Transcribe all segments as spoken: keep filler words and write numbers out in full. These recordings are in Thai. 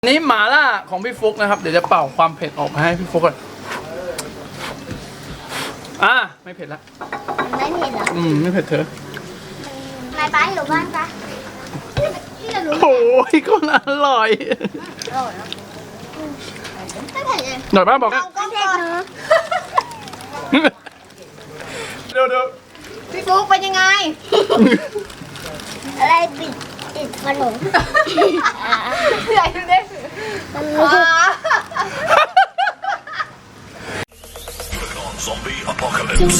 นี่หมาล่าของพี่ฟุกนะครับเดี๋ยวจะเป่าความเผ็ดออกมาให้พี่ฟุกก่อนอ่ะไม่เผ็ดละไม่เผ็ดเหรออืมไม่เผ็ดเธอนายป้าอยู่บ้านปะพี่จะรู้โอ้ยก็อร่อยอร่อยนะไม่เผ็ดเลยหน่อยป้าบอกเอาก็เผ็ดเนอะเดี๋ยวเดี๋ยวพี่ฟุ๊กเป็นยังไงอะไรปิดติดขนมใหญ่ดูดิอ๋อ Zombie apocalypse.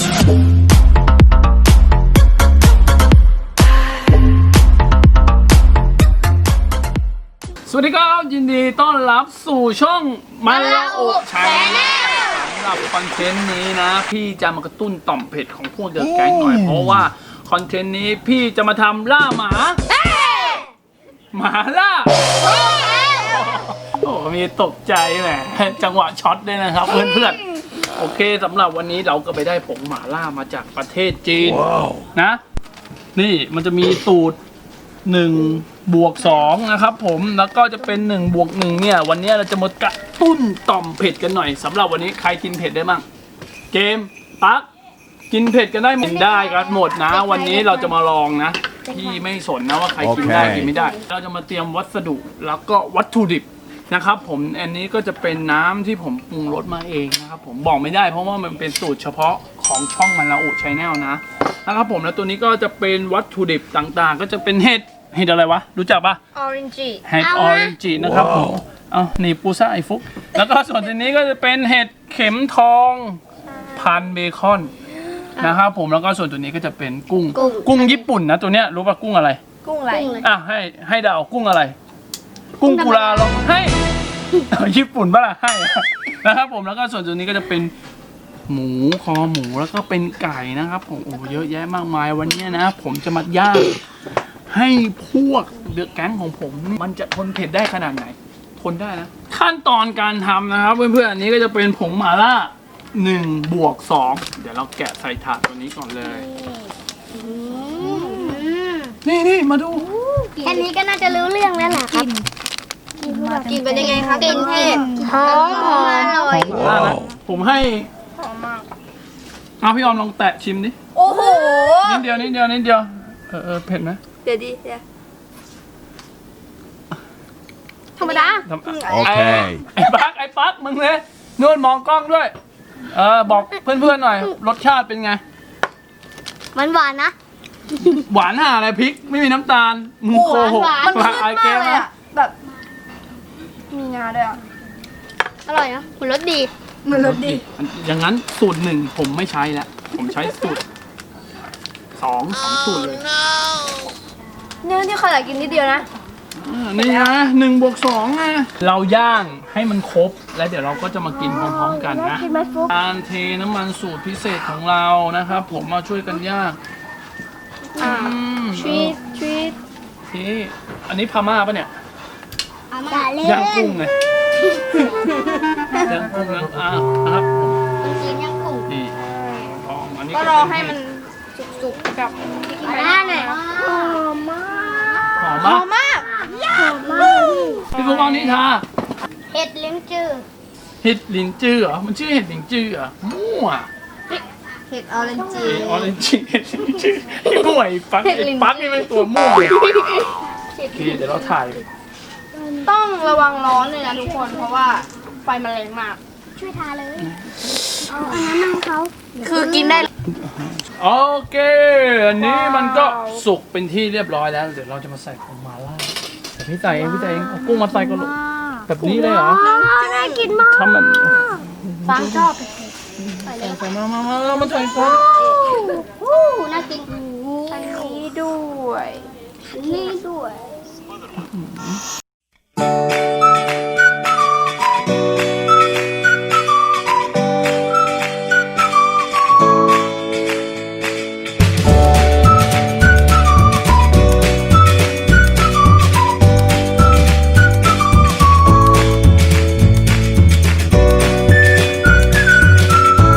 สวัสดีครับยินดีต้อนรับสู่ช่องมาลาโอชาแนลสำหรับคอนเทนต์นี้นะพี่จะมากระตุ้นต่อมเผ็ดของพวกเดอะแก๊งหน่อยเพราะว่าคอนเทนต์นี้พี่จะมาทำล่าหมาหมาล่าโอ้มีตกใจแหมจังหวะช็อตด้วยนะครับเพื่อนๆโอเคสำหรับวันนี้เราก็ไปได้ผงหมาล่ามาจากประเทศจีน wow. นะนี่มันจะมีสูตรหนึ่งบวกสองนะครับผมแล้วก็จะเป็นหนึ่งบวกหนึ่งเนี่ยวันนี้เราจะมากระตุ้นต่อมเผ็ดกันหน่อยสำหรับวันนี้ใครกินเผ็ดได้บ้างเกมปั๊กกินเผ็ดกันได้หมดได้กันหมดนะวันนี้เราจะมาลองนะพี่ไม่สนนะว่าใครกินได้กินไม่ได้เราจะมาเตรียมวัสดุแล้วก็วัตถุดิบนะครับผมอันนี้ก็จะเป็นน้ำที่ผมปรุงรสมาเองนะครับผมบอกไม่ได้เพราะว่ามันเป็นสูตรเฉพาะของช่องมันละอุชแนลนะนะครับผมแล้วตัวนี้ก็จะเป็นวัตถุดิบต่างๆก็จะเป็นเห็ดเห็ดอะไรวะรู้จักปะออเรนจิเห็ดออเรนจินะครับผมเอานี่ปูซ่าไอฟุกแล้วก็ส่วนตัวนี้ก็จะเป็นเห็ดเข็มทองพันเบคอนนะครับผมแล้วก็ส่วนตัวนี้ก็จะเป็นกุ้งกุ้งญี่ปุ่นนะตัวเนี้ยรู้ป่ะกุ้งอะไรกุ้งอะไรอ่ะให้ให้เดากุ้งอะไร กุ้งกุลาลองให้ ญี่ปุ่นป่ะล่ะให้นะครับผมแล้วก็ส่วนตัวนี้ก็จะเป็นหมูคอหมูแล้วก็เป็นไก่นะครับผมโอ้เยอะแยะมากมายวันนี้นะผมจะมาย่างให้พวกเดือดแก๊งของผมมันจะทนเผ็ดได้ขนาดไหนทนได้นะขั้นตอนการทำนะครับเพื่อนๆอันนี้ก็จะเป็นผงหม่าล่าหนึ่งบวกสองเดี๋ยวเราแกะใส่ถาดตัวนี้ก่อนเลยนี่นี่มาดูแค่นี้ก็น่าจะรู้เรื่องแล้วแหละครับกินเป็นยังไงคะกินเผ็ดหอมหอมอร่อยมากนะผมให้หอมมากเอาพี่ออมลองแตะชิมดิโอ้โหนิดเดียวนิดเดียวนิดเดียวเออเออเผ็ดไหมเดี๋ยวดีเดี๋ยวธรรมดาโอเคไอ้ปักไอ้ปักมึงเลยนู่นมองกล้องด้วยเออบอกเพื่อนๆหน่อยรสชาติเป็นไงมันหวานนะหวานห่าอะไรพริกไม่มีน้ำตาลมึงโกหกมันมาขึ้นไอมาเกกมเลยนะอะแบบมีงาด้วยอ่ะอร่อยนะคุณรสดีเหมือนรสดีอย่างนั้นสูตรหนึ่งผมไม่ใช้แล้วผมใช้สูตรสองสองสูตรเลยเนี่ยที่เขาอยากกินนิดเดียวนะอ่านี่นะหนึ่งบวกสองไงเราย่างให้มันครบแล้วเดี๋ยวเราก็จะมากินพร้อมๆกันนะกินไหมฟุ๊กการเทน้ำมันสูตรพิเศษของเรานะครับผมมาช่วยกันย่างอ่าอืมชีสชีสนี่อันนี้พม่าปะเนี่ยอย่าเล่นย่างกุ้งไงย่างกุ้งย่างอ่านะครับมันกินยังกุ้งนี่ทองอันนี้ก็ก็รอเป็นให้มันสุกๆกับมาล่าหน่อยหอมมากหอมหอมาม กมากหอมมากพี่ฟุกเอานี่ทาเห็ดลิ้นจืดเห็ดลินจื้อเหรอมันชื่อเห็ดลินจื้อเหรอมั่วเห็ดออเรนจิเห็ดออเรนจิเห็ดลินจื้อไอ้มั่วไอ้ปักไอ้ปักนี่เป็นตัวมั่วโอเคเดี๋ยวเราถ่ายต้องระวังร้อนเลยนะทุกคนเพราะว่าไฟมันแรงมากช่วยทาเลยเอาอันนั้นน้ำเขาคือกินได้โอเคอันนี้มันก็สุกเป็นที่เรียบร้อยแล้วเดี๋ยวเราจะมาใส่ผงมาล่าแต่พี่ใส่เองพี่ใส่เองเอากุ้งมาใส่ก็ลูกแบบนี้เลยเหรอน่ากินมากทำแบบฟังชอบใส่มามามามามาใส่ก่อนวู้น่ากินอันนี้ด้วยนี่ด้วย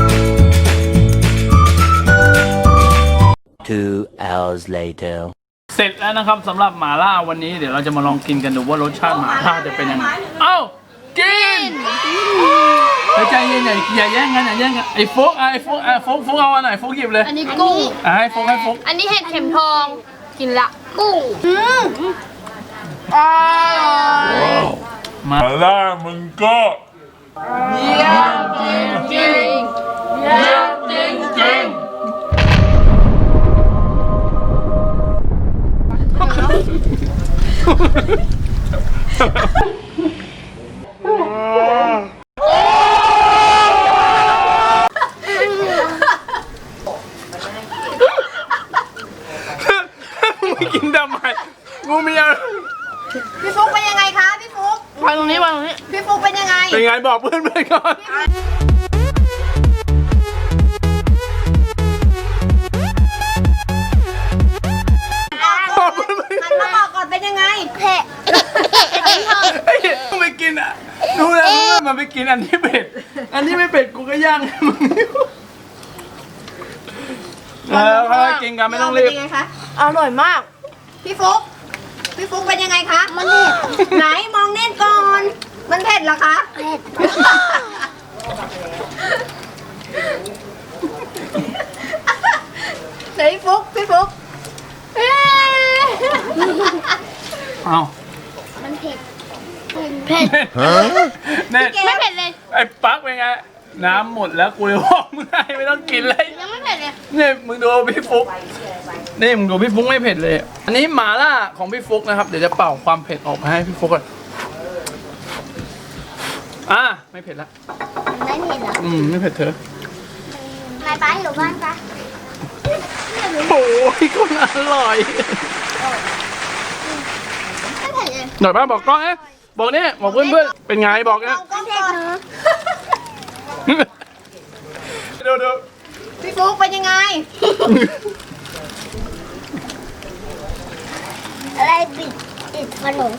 Two hours later. เสร็จแล้วนะครับสำหรับหม่าล่าวันนี้เดี๋ยวเราจะมาลองกินกันดูว่ารสชาติหม่าล่าจะเป็นยังไงเอ้ากินเฮ้ยใจเย็นอย่าอย่าแย่งกันอย่าแย่งกันไอ้ฟุกอ่ะไอ้ฟุกอ่ะฟุกฟุกเอาอันไหนฟุกหยิบเลยอันนี้กุ้งอ่ะให้ฟุกให้ฟุกอันนี้เห็ดเข็มทองกินละกุ้งอืมอร่อยมาล่ามึงก็เยี่ยมจริงจริงเยี่ยมจริงจริงไม่กินทำไมงูมีอะไรพี่ฟุกเป็นยังไงคะพี่ฟุกวางตรงนี้วางตรงนี้พี่ฟุกเป็นยังไงเป็นไงบอกเพื่อนเพื่อนก่อน บอกเพื่อนเพื่อนหันมาบอกก่อนเป็นยังไงเผ็ดเผ็ดทองไอ้เหี้ยมึงไปกินอ่ะดูแล้วมึงอะมันไปกินอันที่เผ็ดอันที่ไม่เผ็ดกูก็ย่างให้มึงเออค่อยๆกินกันไม่ต้องรีบเป็นยังไงคะอร่อยมาก พี่ฟุกพี่ฟุกเป็นยังไงคะมันเผ็ดไหนมองเน่นก่อน มันเผ็ดเหรอคะเผ็ดไหนพี่ฟุกพี่ฟุกเอ้ยเอามันเผ็ดเผ็ดเน็ตไม่เผ็ดเลยไอ้ปักเป็นไงน้ำหมดแล้วกูเลยบอกมึงให้ไม่ต้องกินเลยยังไม่เผ็ดเลยนี่มึงดูพี่ฟุกนี่มึงดูพี่ฟุกไม่เผ็ดเลย อันนี้หม่าล่าของพี่ฟุกนะครับเดี๋ยวจะเป่าความเผ็ดออกมาให้พี่ฟุกก่อนอ่ะไม่เผ็ดละไม่เผ็ดเหรออืมไม่เผ็ดเธอนายป้าอยู่บ้านปะโอ้ยก็อร่อยไม่เผ็ดเลยหน่อยป้าบอกกล้องเอ๊ะบอกเนี่ยบอกเพื่อนเพื่อนๆเป็นไงบอกนะเอาก้อนก่อนดูดูพี่ฟุกเป็นยังไงอะไรปิดปิดขนม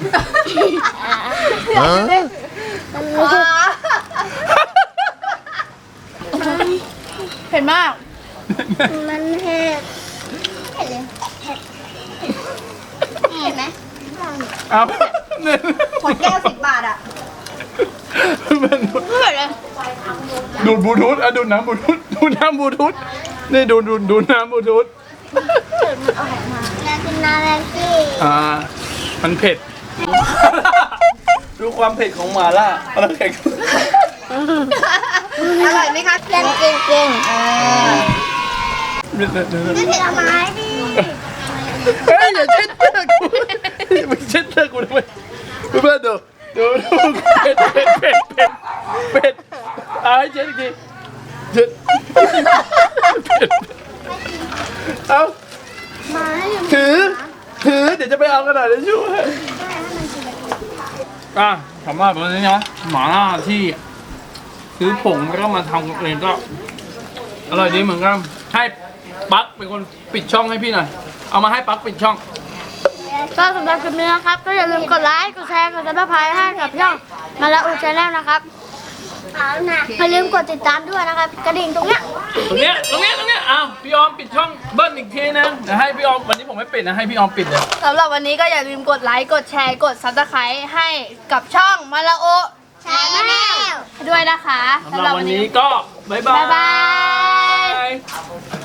เผ็ดมากมันเผ็ดเผ็ดเลยเผ็ดเผ็ดไหมเอาเนี่ยขวดแก้วสิบบาทอ่ะมันดูดเผ็ดเลยดูดบลูทูธอ่ะดูดน้ำบลูทูธดูดน้ำบลูทูธนี่ดูดดูดดูดน้ำบลูทูธอยากกินน้ำแม็กกี้อ่ามันเผ็ด ดูความเผ็ดของหม่าล่าเอาน้ำแข็งอร่อยไหมคะเล่นเก่งเก่งเดี๋ยวเดี๋ยวเดี๋ยวไม่เผ็ดเอาไม้ดิเฮ้ยอย่าเช็ดเสื้อกูไม่เช็ดเสื้อกูทำไมเพื่อนๆดูดูดูเผ็ดเผ็ดเผ็ดเผ็ดเผ็ดเอาให้เช็ดอีกทีเช็ดเผ็ดเอาไม้ถือถือเดี๋ยวจะไปเอากระดาษทิชชู่ให้อ่ะถามว่าแบบนี้นะหม่าล่าที่ซื้อผงแล้วก็มาทำเองก็อร่อยดีเหมือนกันให้ปั๊กเป็นคนปิดช่องให้พี่หน่อยเอามาให้ปั๊กปิดช่องก็สำหรับคลิปนี้นะครับ ก็อย่าลืมกดไลค์ กดแชร์ กดซับสไครต์ให้กับช่องมาละอูชาแนลนะครับอย่าลืมกดติดตามด้วยนะครับ กระดิ่งตรงเนี้ยตรงเนี้ยตรงเนี้ยตรงเนี้ยอ้าวพี่ออมปิดช่องเบิ้ลอีกทีนึงเดี๋ยวให้พี่ออมวันนี้ผมไม่ปิดนะให้พี่ออมปิดเลยสำหรับวันนี้ก็อย่าลืมกดไลค์ กดแชร์ กดซับสไครต์ให้กับช่องมาลาโอชาแนลด้วยนะคะสำหรับวันนี้ก็บ๊ายบายบ๊ายบาย